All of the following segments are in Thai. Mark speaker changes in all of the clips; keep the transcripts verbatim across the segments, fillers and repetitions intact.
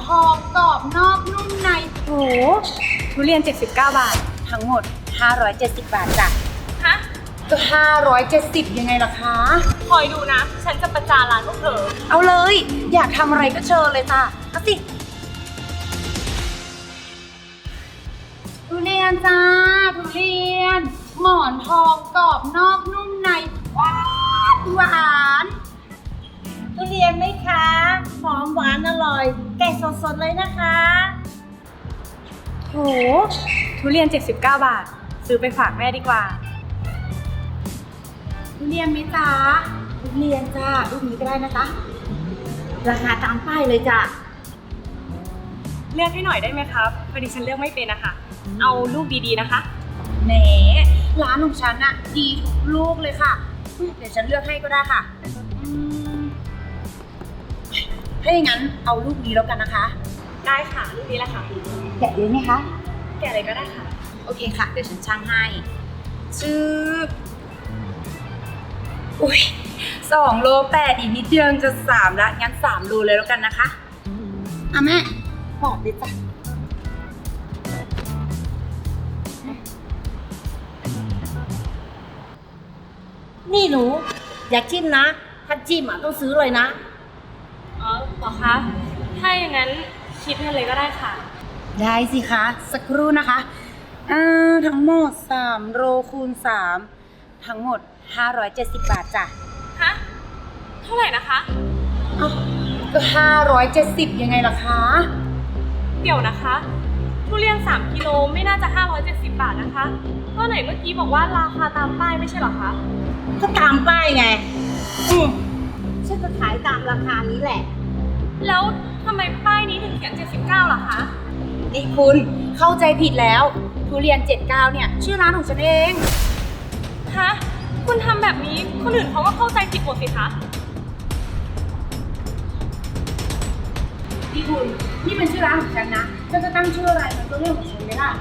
Speaker 1: องกรอบนอกนุ่มในโหทุเรียนเจ็ดสิบเก้าบาททั้งหมดห้าร้อยเจ็ดสิบบาทจ้ะ
Speaker 2: ฮะ
Speaker 1: ก็ห้าร้อยเจ็ดสิบยังไงล่ะคะ
Speaker 2: คอยดูนะ ฉันจะประจานร้านพวกเธอ
Speaker 1: เอาเลยอยากทำอะไรก็เชิญเลยจ้ะเอาสิทุเรียนจ้าทุเรียนหมอนทองกรอบนอกนุ่มในหวานหวาน
Speaker 3: ทุเรียนไหมคะหอมหวานอร่อยแกะสดๆเลยนะคะ
Speaker 1: โหทุเรียนเจ็ดสิบเก้าบาทซื้อไปฝากแม่ดีกว่าทุเรียนไหมจ๊ะทุเรียนจ้าลูกนี้ก็ได้นะคะ
Speaker 3: ราคาตามป้ายเลยจ้ะ
Speaker 2: เลือกให้หน่อยได้ไหมครับพอดีฉันเลือกไม่เป็นนะคะเอาลูกดีๆนะคะ
Speaker 1: แหมร้านของฉันอะดีทุกลูกเลยค่ะเดี๋ยวฉันเลือกให้ก็ได้ค่ะถ้าอย่างนั้นเอาลูกนี้แล้วกันนะคะ
Speaker 2: ได้ค่ะลูกนี้แหละค่ะ
Speaker 1: แกะเลยไหมคะ
Speaker 2: แกะเลยก็ได้ค่ะ
Speaker 1: โอเคค่ะเดี๋ยวฉันชั่งให้ชื่ออุ้ยสองโลแปดอีกนิดเดียวจะสามละงั้นสามโลเลยแล้วกันนะคะอ่ะแม่ปอกดิจ้ะ
Speaker 3: นี่หนูอยากจิ้มนะถ้าจิ้มอ่ะต้องซื้อเลยนะ
Speaker 2: อ๋อเหรอคะถ้าอย่างนั้นคิดเงินเลยก็ได้ค่ะ
Speaker 1: ได้สิคะสักครู่นะคะอ่าทั้งหมดสามโลคูณสามทั้งหมดห้าร้อยเจ็ดสิบบาทจ้ะ
Speaker 2: ฮะเท่าไหร่นะคะ
Speaker 1: อ้าวก็ห้าร้อยเจ็ดสิบยังไงล่ะคะ
Speaker 2: เดี๋ยวนะคะทุเรียนสามกิโลไม่น่าจะห้าร้อยเจ็ดสิบบาทนะคะก็ไหนเมื่อกี้บอกว่าราคาตามป้ายไม่ใช่เหรอคะ
Speaker 3: ก็ตามป้ายไงอืมฉันก็ขายตามราคานี้แหละ
Speaker 2: แล้วทำไมป้ายนี้ถึงเขียนเจ็ดสิบเก้าล่ะคะ
Speaker 1: นี่คุณเข้าใจผิดแล้วทุเรียนเจ็ดสิบเก้าเนี่ยชื่อร้านของฉันเอง
Speaker 2: ฮะคุณทำแบบนี้คนอื่นเขาก็เข้าใจผิดหมดสิคะ
Speaker 1: พี่คุณนี่เป็นชื่อร้านของฉันนะฉันจะตั้งชื่ออะไรมันก็เรื่องของฉันไหมล่ะ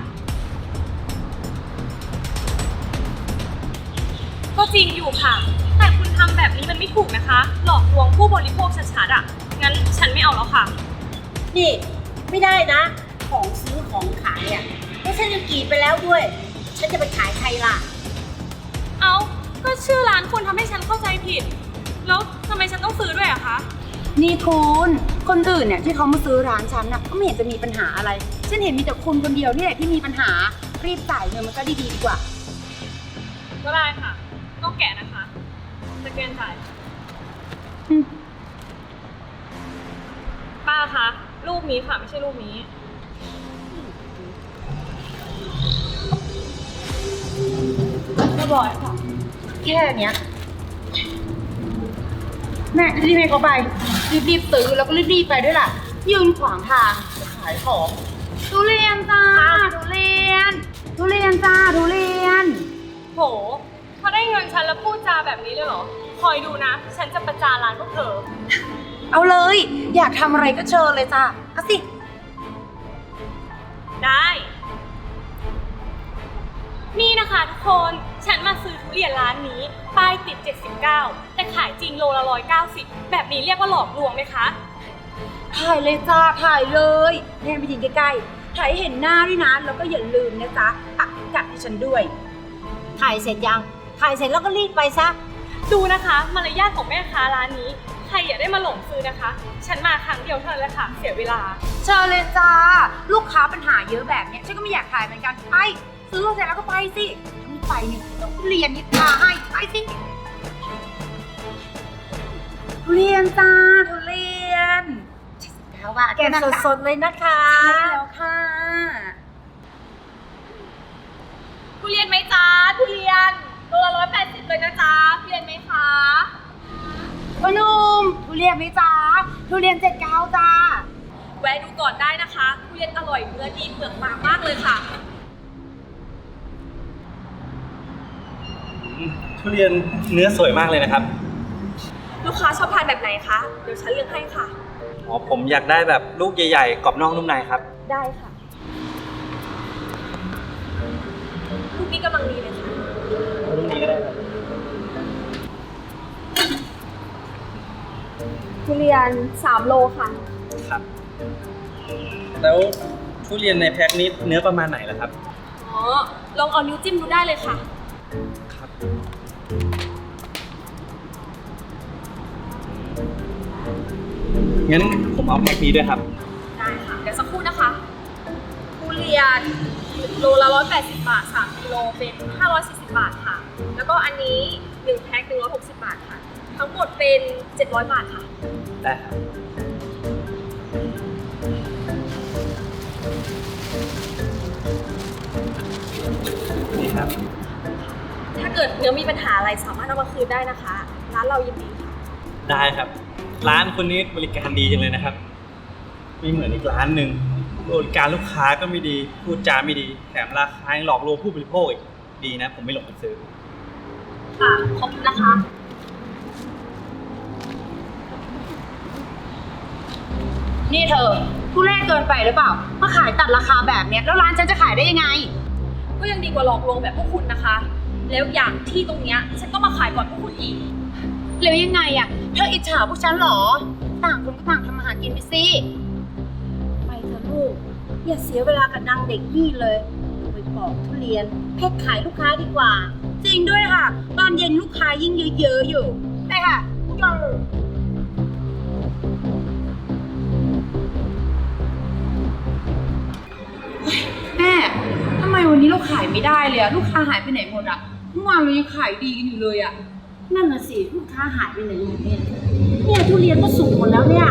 Speaker 2: ก็จริงอยู่ค่ะแต่คุณทำแบบนี้มันไม่ถูกนะคะหลอกลวงผู้บริโภคชัดๆอ่ะงั้นฉันไม่เอาแล้วค่ะ
Speaker 3: นี่ไม่ได้นะของซื้อของขายอ่ะแล้วฉันจะกรีดไปแล้วด้วยฉันจะไปขายใครล่ะ
Speaker 2: เอาก็ชื่อร้านคุณทำให้ฉันเข้าใจผิดแล้วทำไมฉันต้องซื้อด้วยอะคะ
Speaker 1: นี่คุณคนอื่นเนี่ยที่เขามาซื้อร้านฉันน่ะก็ไม่เห็นจะมีปัญหาอะไรฉันเห็นมีแต่คุณคนเดียวนี่แหละที่มีปัญหารีบจ่ายเงินมันก็ดีๆดีกว่า
Speaker 2: ก็ได้ค่ะต้องแกะนะคะสแกนจ่ายป้าคะรูปนี้ค่ะไม่ใช่รูปนี้เรียบร้อยค่ะ
Speaker 1: แค่เนี้ยแม่รีบให้เขาไปรีบๆซื้อแล้วก็รีบๆไปด้วยล่ะยืนขวางทางขายของทุเรียนจ้าทุเรียนทุเรียนจ้าทุเรียน
Speaker 2: โหเขาได้เงินฉันแล้วพูดจาแบบนี้เลยเหรอคอยดูนะฉันจะประจานร้านพวกเธอ
Speaker 1: เอาเลยอยากทำอะไรก็เชิญเลยจ้าเอาสิ
Speaker 2: ได้นี่นะคะทุกคนฉันมาซื้อทุเรียนร้านนี้ป้ายติดเจ็ดสิบเก้าแต่ขายจริงโลละหนึ่งร้อยเก้าสิบแบบนี้เรียกว่าหลอกลวงไหมคะ
Speaker 1: ถ่ายเลยจ้าถ่ายเลยแม่ไปยืนใกล้ๆถ่ายเห็นหน้าด้วยนะแล้วก็อย่าลืมนะจ๊ะปักกัดให้ฉันด้วย
Speaker 3: ถ่ายเสร็จยังถ่ายเสร็จแล้วก็รีบไปซะ
Speaker 2: ดูนะคะมารยาทของแม่ค้าร้านนี้ใครอย่าได้มาหลงซื้อนะคะฉันมาครั้งเดียวเท่านั้นแหละค่ะเสียเวลา
Speaker 1: เชิญเลยจ้าลูกค้าปัญหาเยอะแบบเนี้ยฉันก็ไม่อยากถ่ายเหมือนกันไปซื้อเสร็จแล้วก็ไปสิถ้าไม่ไปเนี่ยต้องเรียนนิดาให้ไปสิทุเรียนจ้าทุเรียนแล้วว่า
Speaker 3: แกะสดๆเลยนะคะ
Speaker 1: ใช่แล้วค่ะ
Speaker 2: ทุเรียนไหมจ้าทุเรียนโลละร้อยแปดสิบเลยนะจ้าทุเรียนไหมคะ
Speaker 1: พ่อหนุ่มทุเรียนไหมจ้าทุเรียนเจ็ดเก้าจ้า
Speaker 2: แวะดูก่อนได้นะคะทุเรียนอร่อยเนื้อดีเปลือกบางมากเลยค่ะ
Speaker 4: ทุเรียนเนื้อสวยมากเลยนะครับ
Speaker 2: ลูกค้าชอบทานแบบไหนคะเดี๋ยวฉันเลือกให้ค่ะ
Speaker 4: อ๋อผมอยากได้แบบลูกใหญ่ๆกรอบนอกนุ่มในครับ
Speaker 2: ได้ค่ะลูกนี้กำลังดีเลยค่ะ
Speaker 4: ลูกนี้ก็ได้ครับ
Speaker 2: ทุเรียนสามโลค่ะ
Speaker 4: ครับแล้วทุเรียนในแพ็คนี้เนื้อประมาณไหนล่ะครับ
Speaker 2: อ๋อ ลองเอานิ้วจิ้มดูได้เลยค่ะ
Speaker 4: ครับ งั้นผมเอาแพ็คนี้ด้วยครับ
Speaker 2: ได้ค่ะ เดี๋ยวสักครู่นะคะทุเรียนโลละร้อยแปดสิบบาทสามกิโลเป็นห้าร้อยสี่สิบบาทค่ะ แล้วก็อันนี้หนึ่งแพ็คหนึ่งร้อยหกสิบบาทค่ะ ทั้งหมดเป็นเจ็ดร้อยบาทค่ะ
Speaker 4: ได้ครับ นี่ครับ
Speaker 2: ถ้าเกิดเนื้อมีปัญหาอะไรสามารถเอามาคืนได้นะคะ ร้านเรายินดีค่ะ
Speaker 4: ได้ครับ ร้านคนนี้บริการดีจังเลยนะครับไม่เหมือนอีกร้านหนึ่งบริการลูกค้าก็ไม่ดีพูดจาไม่ดีแถมราคายังหลอกลวงผู้บริโภคอีกดีนะ ผมไม่หลงไปซื้อ
Speaker 2: ค่ะ ขอบคุณนะคะ
Speaker 1: นี่เธอทุเรศเกินไปหรือเปล่ามาขายตัดราคาแบบเนี้ยแล้วร้านฉันจะขายได้ยังไง
Speaker 2: ก็ยังดีกว่าหลอกลวงแบบพวกคุณนะคะ แล้วอย่างที่ตรงเนี้ยฉันก็มาขายก่อนพวกคุณอีก
Speaker 1: แล้วยังไงอะเธออิจฉาพวกฉันเหรอ ต่างคนก็ต่างทำมาหากินไปสิ
Speaker 3: ไปเถอะลูก อย่าเสียเวลากับนางเด็กนี่เลยไปปอกทุเรียนแพ็คขายลูกค้าดีกว่า
Speaker 1: จริงด้วยค่ะ ตอนเย็นลูกค้ายิ่งเยอะๆอยู่ไปค่ะแม่ทำไมวันนี้เราขายไม่ได้เลยอะลูกค้าหายไปไหนหมดอะเมื่อวานเรายังขายดีกันอยู่เลยอะ
Speaker 3: นั่นน่ะสิลูกค้าหายไปไหนหมดเนี่ยเนี่ยทุเรียนก็สุกหมดแล้วเนี่ย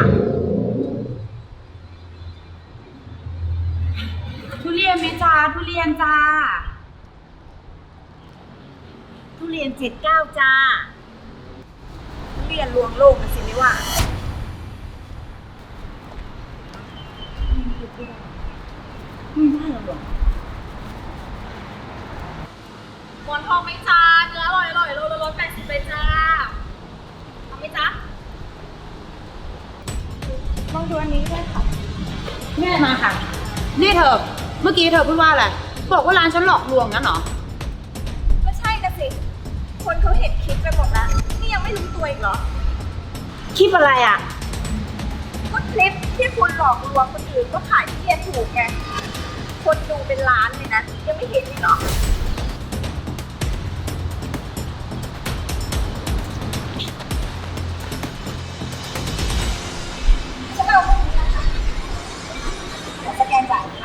Speaker 1: ทุเรียนไหมจ้าทุเรียนจ้า
Speaker 3: ทุเรียนเจ็ดเก้าจ้าทุเรียนลวงโลกนะสิไม่ว่าไม่ได้หรอก
Speaker 2: หมอนทองไหมจ้าเนื้ออร่อยอร่อยโลละร้อยแปดสิบเลยจ้าเอาไหมจ้า
Speaker 3: ลองดูอันนี้ด้วยค่ะ
Speaker 1: แม่มาค่ะ นี่เธอ เมื่อกี้เธอพูดว่าอะไร บอกว่าร้านฉันหลอกลวงงั้นเหรอ
Speaker 2: ก็ใช่นะสิ คนเขาเห็นคลิปไปหมดแล้ว นี่ยังไม่รู้ตัวอีกเหรอ
Speaker 3: คลิปอะไรอ่ะ
Speaker 2: ก็คลิปที่คุณหลอกลวงคนอื่นก็ขายที่เรียนถูกไง คนดูเป็นล้านเลยนะ ยังไม่เห็นอีกเหรอ ฉันเอาพวกนี้นะคะเดี๋ยวสแกนจ่ายค่ะ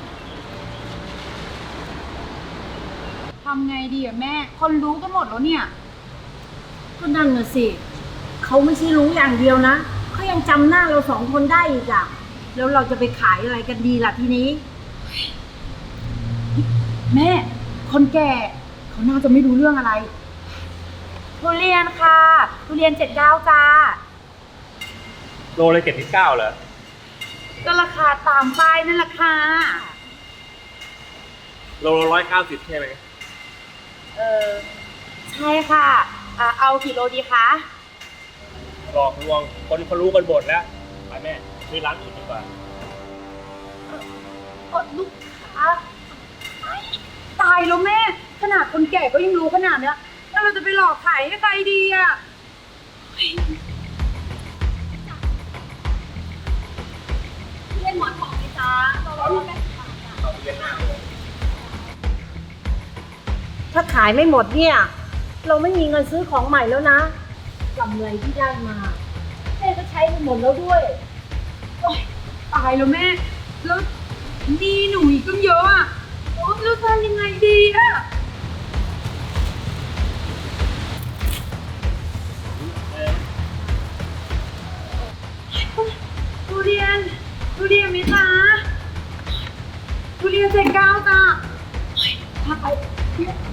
Speaker 1: ทำไงดีอะแม่ คนรู้กันหมดแล้วเนี่ย
Speaker 3: ก็นั่นน่ะสิ เขาไม่ใช่รู้อย่างเดียวนะ เขายังจำหน้าเราสองคนได้อีกอะแล้วเราจะไปขายอะไรกันดีล่ะทีนี้
Speaker 1: แม่ คนแก่เขาน่าจะไม่รู้เรื่องอะไร ทุเรียนค่ะ ทุเรียนเจ็ดเก้าจ้า
Speaker 4: โลเลยเจ็ดสิบเก้าเหรอ
Speaker 1: ก็ราคาตามป้ายนั่นแหละค่ะ
Speaker 4: โลละร้อยเก้าสิบใช่ไหม
Speaker 1: เออใช่ค่ะอ่าเอากี่โลดีคะ
Speaker 5: หลอกลวงคนเขารู้กันหมดแล้วไปแม่ซื้อร้านอื่นดีกว่า
Speaker 1: เออลูกค้าตายแล้วแม่ ขนาดคนแก่ก็ยังรู้ขนาดเนี้ยแล้วเราจะไปหลอกขายให้ใครดีอะ
Speaker 2: เรียนหมอนทองไหมจ้าโลละร้อยแปดสิบบาทจ้า
Speaker 3: ถ้าขายไม่หมดเนี่ย เราไม่มีเงินซื้อของใหม่แล้วนะกำไรที่ได้มาแม่ก็ใช้ไปหมดแล้วด้วย
Speaker 1: ตายแล้วแม่ แล้วหนี่หนูอีกตั้งเยอะอะโอ๊ยแล้วทำยังไงดีอะทุเรียนทุเรียนไหมจ๊ะทุเรียนเจ็ดเก้าจ้ะพาไป